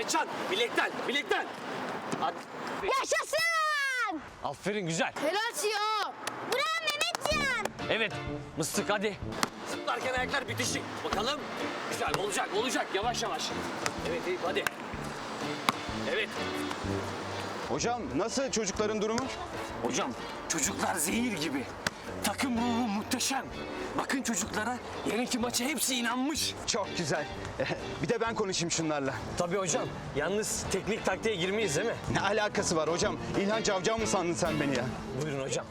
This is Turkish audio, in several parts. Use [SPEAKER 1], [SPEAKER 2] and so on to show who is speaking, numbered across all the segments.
[SPEAKER 1] Mehmetcan, bilekten, bilekten. Hadi.
[SPEAKER 2] Yaşasın!
[SPEAKER 1] Aferin, güzel.
[SPEAKER 2] Helal ya. Bravo Mehmetcan.
[SPEAKER 1] Evet, mıstık hadi. Zıplarken ayaklar bitişik. Bakalım. Güzel, olacak, olacak. Yavaş yavaş. Evet, Eyüp hadi. Evet.
[SPEAKER 3] Hocam nasıl çocukların durumu?
[SPEAKER 1] Hocam, çocuklar zehir gibi. Takım ruhu muhteşem. Bakın çocuklara, yarınki maça hepsi inanmış.
[SPEAKER 3] Çok güzel. Bir de ben konuşayım şunlarla.
[SPEAKER 1] Tabii hocam. Yalnız teknik taktiğe girmeyiz değil mi?
[SPEAKER 3] Ne alakası var hocam? İlhan Cavcav mı sandın sen beni ya?
[SPEAKER 1] Buyurun hocam.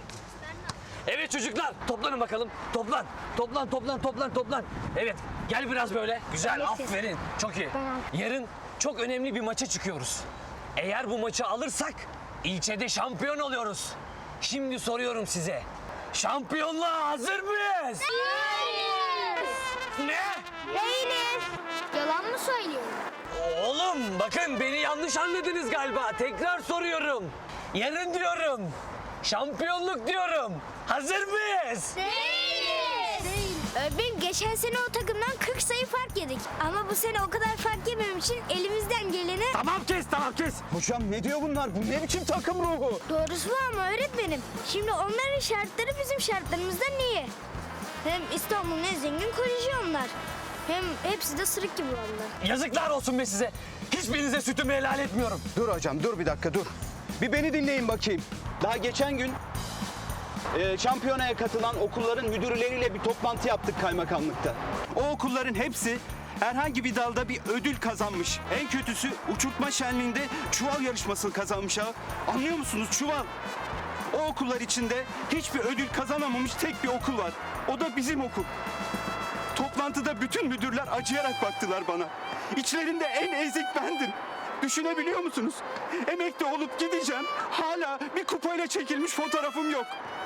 [SPEAKER 1] Evet çocuklar, toplanın bakalım. Toplan, toplan, toplan, toplan, toplan. Evet, gel biraz böyle. Güzel, aferin. Çok iyi. Yarın çok önemli bir maça çıkıyoruz. Eğer bu maçı alırsak ilçede şampiyon oluyoruz. Şimdi soruyorum size. Şampiyonluğa hazır mıyız?
[SPEAKER 2] Hayır.
[SPEAKER 1] Ne?
[SPEAKER 2] Değiliz. Yalan mı söylüyorum?
[SPEAKER 1] Oğlum bakın beni yanlış anladınız galiba. Tekrar soruyorum. Yarın diyorum. Şampiyonluk diyorum. Hazır mıyız?
[SPEAKER 2] Değiliz. Öğretmenim geçen sene o takımdan 40 sayı fark yedik. Ama bu sene o kadar fark yemem için elimizden geleni...
[SPEAKER 1] Tamam kes, tamam kes.
[SPEAKER 3] Hocam ne diyor bunlar? Bu ne biçim takım ruhu?
[SPEAKER 2] Doğrusu bu ama öğretmenim. Şimdi onların şartları bizim şartlarımızdan iyi. Hem İstanbul'un en zengin koleji onlar. Hem hepsi de sırık gibi onlar.
[SPEAKER 1] Yazıklar olsun be size. Hiçbirinize sütümü helal etmiyorum.
[SPEAKER 3] Dur hocam dur bir dakika dur. Bir beni dinleyin bakayım. Daha geçen gün şampiyonaya katılan okulların müdürleriyle bir toplantı yaptık kaymakamlıkta. O okulların hepsi herhangi bir dalda bir ödül kazanmış. En kötüsü uçurtma şenliğinde çuval yarışmasını kazanmış ha. Anlıyor musunuz? Çuval. O okullar içinde hiçbir ödül kazanamamış tek bir okul var. O da bizim okul. Toplantıda bütün müdürler acıyarak baktılar bana. İçlerinde en ezik bendim. Düşünebiliyor musunuz? Emekli olup gideceğim. Hala bir kupayla çekilmiş fotoğrafım yok.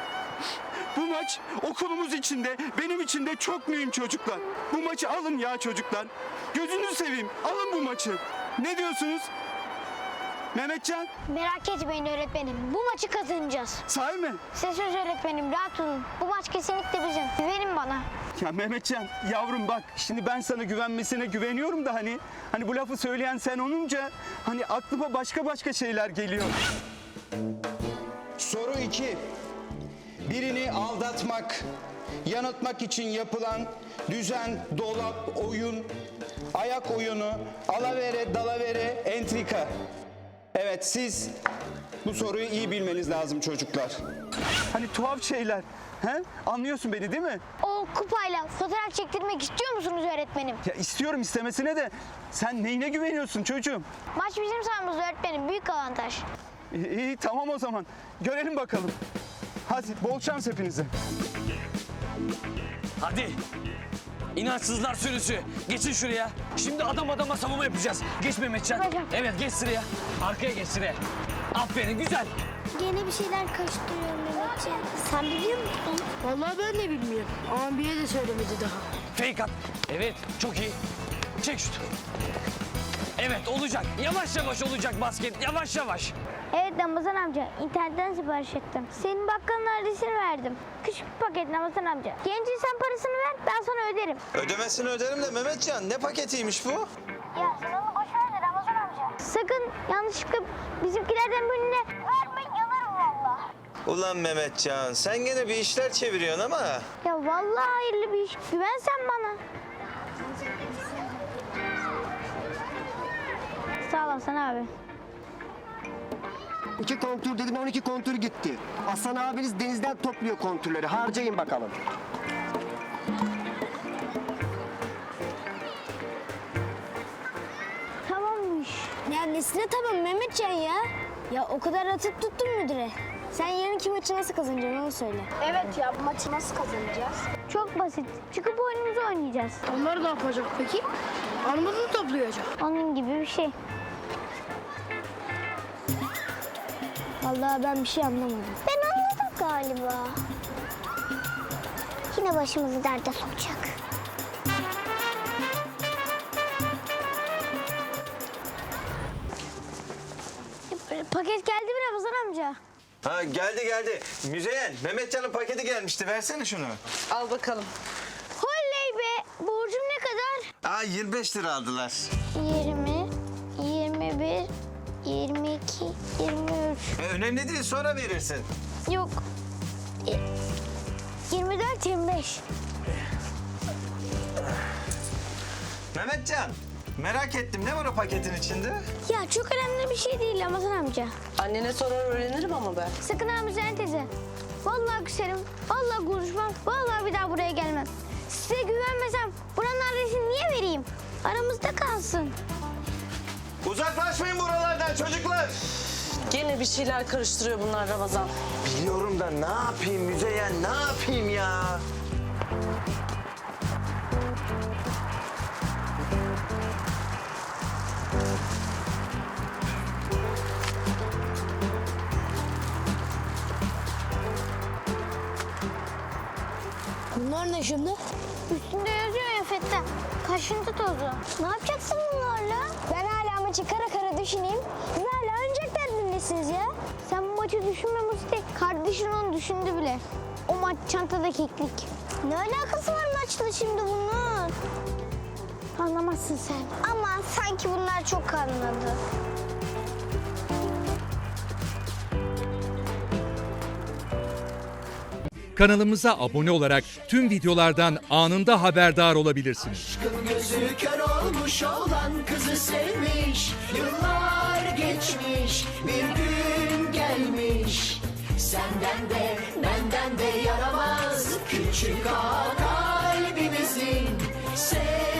[SPEAKER 3] Bu maç okulumuz içinde, benim için de çok mühim çocuklar. Bu maçı alın ya çocuklar. Gözünüzü seveyim. Alın bu maçı. Ne diyorsunuz? Mehmetcan,
[SPEAKER 2] Merak etmeyin öğretmenim. Bu maçı kazanacağız.
[SPEAKER 3] sahi mi?
[SPEAKER 2] Size söz öğretmenim, rahat olun. Bu maç kesinlikle bizim. Güvenin bana.
[SPEAKER 3] Ya Mehmetcan yavrum bak şimdi ben sana güvenmesine güveniyorum da hani bu lafı söyleyen sen olunca hani aklıma başka şeyler geliyor.
[SPEAKER 4] Soru 2. Birini aldatmak, yanıltmak için yapılan düzen, dolap, oyun, ayak oyunu, alavere, dalavere, entrika. Evet siz bu soruyu iyi bilmeniz lazım çocuklar.
[SPEAKER 3] Hani tuhaf şeyler. He? Anlıyorsun beni değil mi?
[SPEAKER 2] O kupayla fotoğraf çektirmek istiyor musunuz öğretmenim?
[SPEAKER 3] Ya istiyorum istemesine de sen neyine güveniyorsun çocuğum?
[SPEAKER 2] Maç bizim sahamızda öğretmenim. Büyük avantaj.
[SPEAKER 3] İyi tamam o zaman. Görelim bakalım. Hadi bol şans hepinize.
[SPEAKER 1] Hadi. İnançsızlar sürüsü. Geçin şuraya. Şimdi adam adama savunma yapacağız. Geç Mehmetcan.
[SPEAKER 2] Hocam.
[SPEAKER 1] Evet geç sıraya. Arkaya geç sıraya. Aferin güzel.
[SPEAKER 2] Gene bir şeyler karıştırıyor Mehmetciğim. Sen biliyor musun?
[SPEAKER 5] Vallahi ben de bilmiyorum. Ama biri de söylemedi daha.
[SPEAKER 1] Fake at. Evet çok iyi. Çek şut. Evet olacak. Yavaş yavaş olacak basket. Yavaş yavaş.
[SPEAKER 2] Evet Ramazan amca. İnternetten sipariş ettim. Senin bakkalın adresini verdim. Küçük bir paket Ramazan amca. Gelince sen parasını ver, ben sana öderim.
[SPEAKER 6] Ödemesini öderim de Mehmetcan ne paketiymiş bu?
[SPEAKER 2] Ya sen onu boş ver de Ramazan amca. Sakın yanlışlıkla bizimkilerden birine verme, yanarım valla.
[SPEAKER 6] Ulan Mehmetcan sen gene bir işler çeviriyorsun ama.
[SPEAKER 2] Ya vallahi hayırlı bir iş. Güven sen bana. Sağ olasın abi.
[SPEAKER 7] 2 kontür dedim 12 kontür gitti. Aslan abiniz denizden topluyor kontürleri. Harcayın bakalım.
[SPEAKER 2] Tamammış. Ya nesine tamam Mehmetcan ya? Ya o kadar atıp tuttun müdüre. Sen yarınki maçı nasıl kazanacaksın onu söyle.
[SPEAKER 5] Evet ya bu maçı nasıl kazanacağız?
[SPEAKER 2] Çok basit. Çıkıp oyunumuzu oynayacağız.
[SPEAKER 5] Onlar ne yapacak peki? Armut mu toplayacak?
[SPEAKER 2] Onun gibi bir şey. Vallahi ben bir şey anlamadım. Ben anladım galiba. Yine başımızı derde sokacak. Paket geldi mi Ramazan amca?
[SPEAKER 6] Ha geldi. Müzeyyen Mehmetcan'ın paketi gelmişti versene şunu.
[SPEAKER 5] Al bakalım.
[SPEAKER 2] Oley be! Borcum ne kadar?
[SPEAKER 6] Aa 25 lira aldılar.
[SPEAKER 2] 20,
[SPEAKER 8] 22, 23.
[SPEAKER 6] Önemli değil, sonra verirsin.
[SPEAKER 8] Yok. 24, 25.
[SPEAKER 6] Mehmetcan, merak ettim. Ne var o paketin içinde?
[SPEAKER 8] Ya çok önemli bir şey değil Ramazan amca.
[SPEAKER 9] Annene sorar öğrenirim ama ben.
[SPEAKER 8] Sakın ha Müzeyyen teyze. Vallahi küserim, vallahi konuşmam, vallahi bir daha buraya gelmem. Size güvenmesem buranın adresini niye vereyim? Aramızda kalsın.
[SPEAKER 6] Uzaklaşmayın buralardan çocuklar.
[SPEAKER 9] Gene bir şeyler karıştırıyor bunlar Ramazan.
[SPEAKER 6] Biliyorum da ne yapayım Müzeyyen, ne yapayım ya?
[SPEAKER 5] Bunlar ne şimdi?
[SPEAKER 8] Üstünde yazıyor ya Fettah. Kaşıntı tozu. Ne yapacaksın bunlarla? Ben hala maçı kara kara düşüneyim. Siz hala oyuncak derdindesiniz ya. Sen bu maçı düşünme Musti. Kardeşin onu düşündü bile. O maç çantada keklik. Ne alakası var maçla şimdi bunun? Anlamazsın sen. Ama sanki bunlar çok anladı.
[SPEAKER 10] Kanalımıza abone olarak tüm videolardan anında haberdar olabilirsiniz.
[SPEAKER 11] Gözü kör olmuş olan kızı sevmiş. Yıllar geçmiş, bir gün gelmiş. Senden de benden de yaramaz küçük ağa kalbimizin.